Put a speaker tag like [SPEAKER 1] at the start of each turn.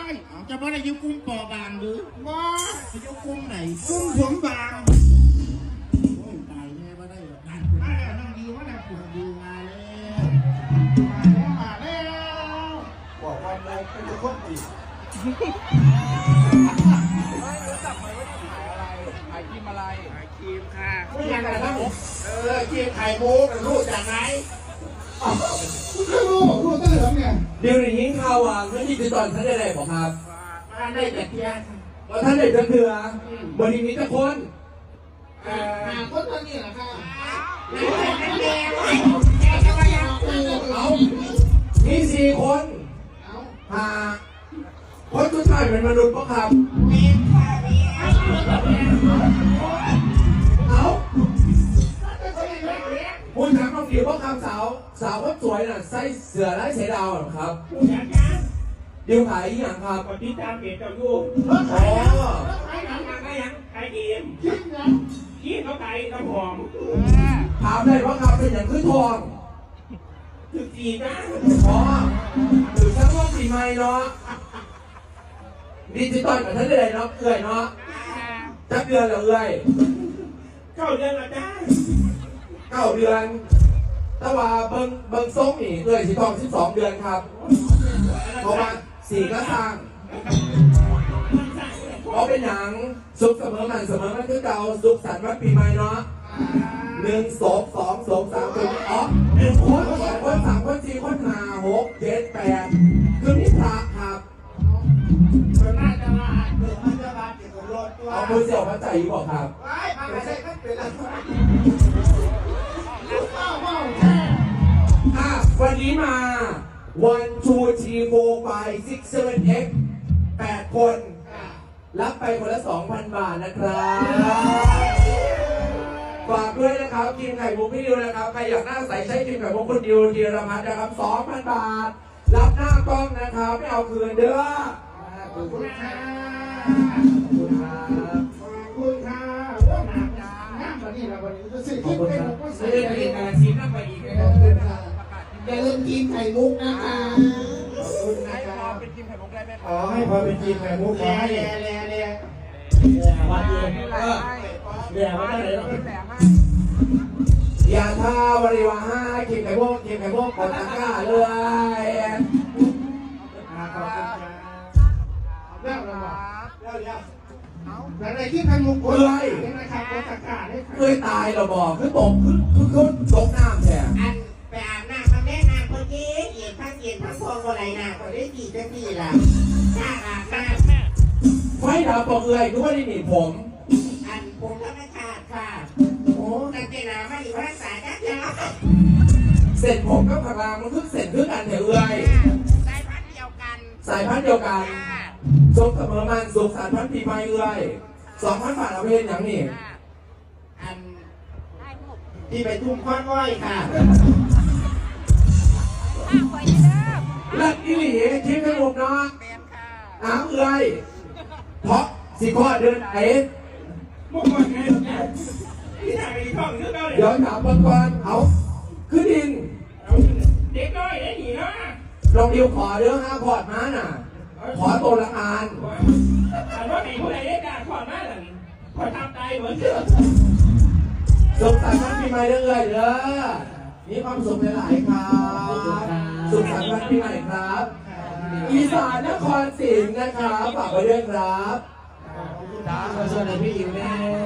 [SPEAKER 1] จะบ่ได้อยู่กุ้งปอบางหรือบ่อยู่กุ้งไหนกุ้งผมบางโอ้ยตายแน่บ่ได้หรอกนั่นมาแล้วน้องดีว่าแล้วผมดีมาแล้วบอกว่าเราเป็นคนดี
[SPEAKER 2] ไม่รู้จักไหมว่าที่ขายอะไรขายครีมอะไรขายครีมค่ะ
[SPEAKER 1] ไม่อยากอะไรนะครีมไข่มุกรู้จากไหนรู้ตั้งเหลืองเนี่ย
[SPEAKER 3] เดี๋ยวนี้ข่าวว่าเมื่อที่คือตอนท่านได้ไหนบอกครับ
[SPEAKER 1] มาได้แต่เพียง
[SPEAKER 3] ว่าท่านได้จะเถื่อวันนี้มีแต่คน
[SPEAKER 1] คนตอนนี้เหรอครับ
[SPEAKER 3] เอามี4 คนคนทุกท่านเป็นมนุษย์ปะครับเอาคุณถามน้องดิวว่าคำสาวคนสวยน่ะใส่เสื้อลายเสือดาวหรอครับดิวขายอย่างครับ
[SPEAKER 2] กดติดตามเพจเจ้าอยู่
[SPEAKER 3] อ๋อ
[SPEAKER 2] ขายยังขายครีมเขาขายน้ำหอม
[SPEAKER 3] ถามเลยว่าครับเป็นอย่างคือทอง
[SPEAKER 2] ถึงจีนะ
[SPEAKER 3] อ๋อหรือทั้งว่าสีไม้เนาะดิจิตอลกับท่านได้เนาะเอื่อยเนาะจะเดือนหรือเอื่อย
[SPEAKER 2] 9 เดือนละได้
[SPEAKER 3] 9 เดือนแต่ว่าเบิ้งส่งนี่เอื่อยสีทอง12 เดือนครับเพราะว่า4ก็สร้างเพราะเป็นหนังสุขเสมอมันคือเก่าสุขสันต์วันปีใหม่เนาะ1 2 2 2 3ตัวอ๋อ1 คน2 คน 3 คน 4 คน 5 6 7 8คือมีพระครับ
[SPEAKER 1] น่าจะมามันจะมาเก็บรถตัว
[SPEAKER 3] เอาคุณเสี่ยวมาใจอยู่บอกครับ
[SPEAKER 1] ไม่ใช่ก็เป็นอะไร
[SPEAKER 3] วันนี้มา1 2 3 4 5 6 7 8 คนรับไปคนละ 2,000 บาทนะครับฝากด้วยนะครับทีมไข่มุกพี่ดิวนะครับใครอยากหน้าใสใช้ทีมไข่มุกคุณดิวธีรพัฒน์นะครับ 2,000 บาทรับหน้ากล้องนะครับไม่เอาคืนเด้อ
[SPEAKER 1] ขอบคุณค่ะขอบคุณค่ะว่าหนักน้ำวันนี้เราวันนี้จะซื้อที่เป็นก็ซื้อ
[SPEAKER 2] ได้การซีนั่งไปอีกเลย
[SPEAKER 1] อย่าลืมกินไข่มุกนะคะขอบคุณนะครั
[SPEAKER 2] บเป็นทีมไข่มุกได้ไหม
[SPEAKER 1] อ๋อให้พอเป็นทีมไข่มุกขอให้
[SPEAKER 3] วันเดียวเดี๋ยวไม่ได้เลยอย่าท่าบริวารให้ทีมไข่มุกกดตะกร้าเลย
[SPEAKER 1] ขอบคุณครับเรื่องอะไรอะไรที่ไข่มุกคนเลยนะครับกดตะกร้าได้
[SPEAKER 3] เคยตายเราบอกคือตกตกน้ำแท้
[SPEAKER 1] อันไปอาบน้ำมาแม่น้ำคนเย็นทั้งฟองอะไรน้ำคนได้กี่จะกี่ล่ะน้าอาบน้ำ
[SPEAKER 3] ไฟดับปอกเอื่อยคือว่าได้หนีผม
[SPEAKER 1] อันผมก็ไม่ขาดค่ะโอ้แต่เจนาไม่อยู่รักษาจ้าจ้า
[SPEAKER 3] เสร็จผมก็พลังมันคือเสร็จคือกันเถอะเอื่อย
[SPEAKER 1] สายพันธุ์เดียว
[SPEAKER 3] กันสุขเสมอมันสุขสันต์พันปีใหม่เอื่อย2,000 บาทเอาเพลงอย่างนี้
[SPEAKER 1] อันที่ไปทุ่มค้อนอ้อยค่ะ
[SPEAKER 3] ลัดอีหลีทีมไข่มุกเนาะน้ำเอื่อยเพราะสิข้อเดินไหน
[SPEAKER 2] มุกวันไงที่ไหนไปท่องเรื่องเก่าเลย
[SPEAKER 3] เดี๋ยวถามก่อนเอาคือดิน
[SPEAKER 2] เด็กน้อยได้หนีนะ
[SPEAKER 3] ลองดิวขอเรื่อง5 พอร์ตมาน่ะขอตัวละอัน
[SPEAKER 2] อันว่าไหนผู้ใดได้ด่าขอมาหลังขอทำใจเหมือนเดิม
[SPEAKER 3] สุขสันต์วันปีใหม่เด้อเด้อมีความสุขหลายๆครับสุขสันต์วันปีใหม่ครับอีสานนครศรีนะครับฝากไว้ด้วยครับ
[SPEAKER 1] ขอบคุณครับขอเชิญพี่อิ๋วแม่